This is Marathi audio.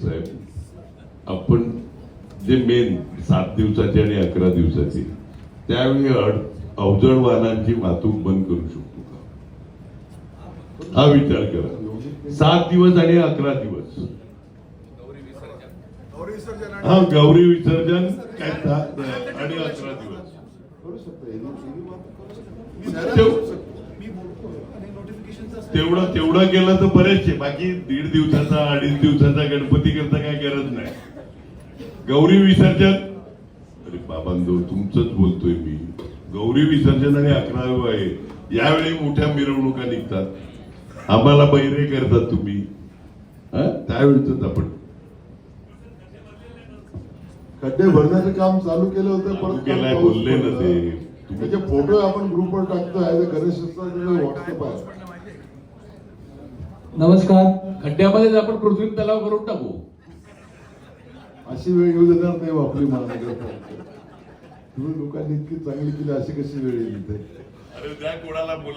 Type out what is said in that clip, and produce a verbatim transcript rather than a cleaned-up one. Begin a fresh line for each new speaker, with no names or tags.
साहेब, आपण जे मेन सात दिवसाची आणि अकरा दिवसाची त्यावेळी अड- अवजड वाहनांची वाहतूक बंद करू शकतो का, हा विचार करा. सात दिवस आणि अकरा दिवस हा गौरी विसर्जन काय सात आणि अकरा दिवस तेवढं तेवढं केलं तर बरेचसे. बाकी दीड दिवसाचा अडीच दिवसाचा गणपती करता काय गरज नाही. गौरी विसर्जन, अरे बाबांनो तुमचंच बोलतोय मी. गौरी विसर्जन आणि अकरावी आहे, यावेळी मोठ्या मिरवणुका निघतात, आम्हाला बैरे करतात तुम्ही. त्यावेळीच आपण
खड्डे भरण्याचं काम चालू केलं होतं, परत
केलाय बोलले ना ते.
त्याचे फोटो आपण ग्रुपवर टाकतोय. गणेश व्हॉट्सअप आहे.
नमस्कार.
खड्ड्यामध्ये आपण कृत्रिम तलाव करून टाकू.
अशी वेळ येऊ देणार नाही आपली महानगरपालिका. तुम्ही लोकांनी इतकी चांगली केली, अशी कशी वेळ येईल इथे.
अरे त्या कोणाला